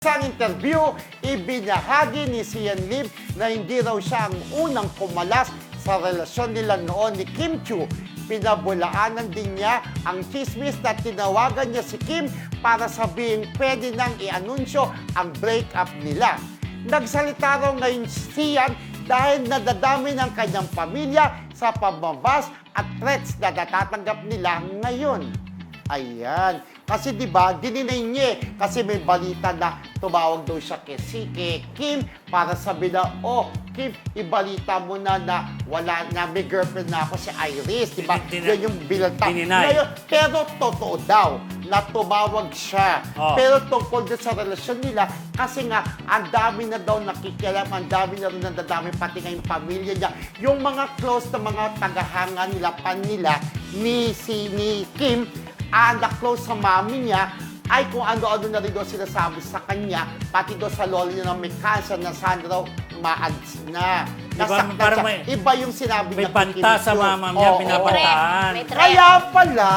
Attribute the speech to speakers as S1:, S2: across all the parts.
S1: Sa interview, ibinahagi ni Sian Lim na hindi raw siya ang unang kumalas sa relasyon nila noon ni Kim Chiu. Pinabulaanan din niya ang chismis na tinawagan niya si Kim para sabihing pwede nang i-anunsyo ang breakup nila. Nagsalita raw ngayon si Sian dahil nadadami ng kanyang pamilya sa pambabas at threats na natatanggap nila ngayon. Ayan. Kasi diba, dininay niya kasi may balita na tumawag daw siya kay Kim para sabi na, oh, Kim, ibalita mo na wala na, may girlfriend na ako si Iris. Diba? Yan yung bilata. Ngayon, pero totoo daw na tumawag siya. Oh. Pero tungkol din sa relasyon nila, kasi nga, ang dami na daw nakikialam, ang dami na rin nadadami, pati nga yung pamilya niya. Yung mga close na mga tagahanga nila, pan nila, ni Kim, na-close sa mami niya, ay kung ano-ano na rin doon sinasabi sa kanya, pati doon sa lola niya na may cancer na sana raw ma-ads na. Nasaktan siya. Iba yung sinabi
S2: may
S1: niya.
S2: May banta sa mama niya, pinabantaan.
S1: Kaya pala,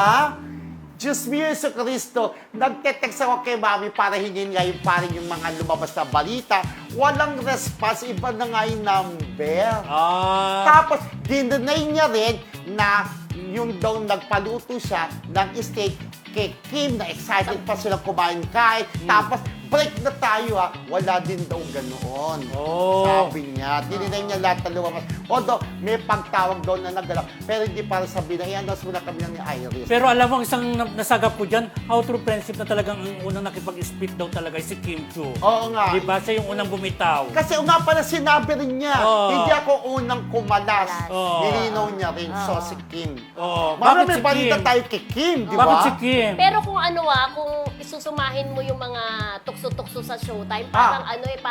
S1: Diyos mio, Yesu Cristo, nagte-text ako kay mami para hingin nga yung parang yung mga lumabas na balita. Walang response, iba na nga yung number. Tapos, dinanay niya rin na yung daw nagpaluto siya ng steak kay Kim, na excited pa sila kumain kahit. Tapos, break na tayo wala din daw ganoon. Sabi niya. Dininay niya lahat na lumabas. Although, may pagtawag daw na nagalaw. Pero hindi para sabihin na, i-announce muna kami ni Iris.
S2: Pero alam mo, isang nasagap ko dyan, how true friendship na talagang ang unang nakipag-split daw talaga si Kim Chiu.
S1: Oo nga.
S2: Diba? Siya yung unang bumitaw.
S1: Kasi nga pala sinabi rin niya, hindi ako unang kumalas. Nilinaw niya rin, so si Kim.
S2: Bakit
S1: may
S2: si
S1: balita
S2: Kim?
S1: tayo kay Kim, di ba?
S2: Bakit si Kim?
S3: Pero kung kung isusumahin mo yung mga tukso-tukso sa Showtime, parang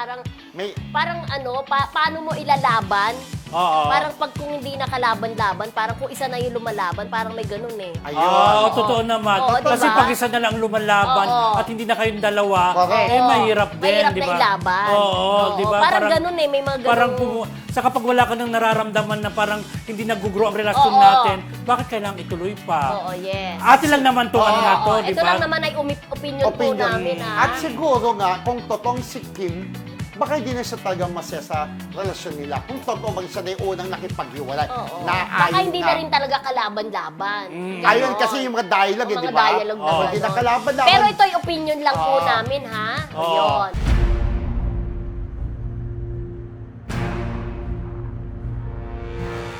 S3: paano mo ilalaban? Parang pag kung hindi nakalaban-laban, parang kung isa na yung lumalaban, parang may ganun eh.
S1: Ayun.
S2: Totoo naman. Kasi
S3: diba?
S2: pag isa na lang lumalaban at hindi na kayong dalawa, mahirap din,
S3: mahirap
S2: di ba?
S3: na ilaban.
S2: Di ba?
S3: Parang ganun eh, may mga ganun.
S2: Parang sa kapag wala ka nang nararamdaman na parang hindi nag-grow ang relasyon natin, bakit kailangang ituloy pa?
S3: Yes.
S2: Atin lang naman ano na to, di ba?
S3: Ito lang naman ay opinion po namin,
S1: At siguro nga, kung totoong si Kim, baka hindi na siya talagang masaya sa relasyon nila. Kung totoo bang siya na yung unang nakipaghiwalay.
S3: Baka hindi na rin talaga kalaban-laban.
S1: Ayun kasi yung mga dialogue, di ba?
S3: Mga dialogue na
S1: Hindi na kalaban-laban.
S3: Pero ito'y opinion lang po namin, ha? Ayun.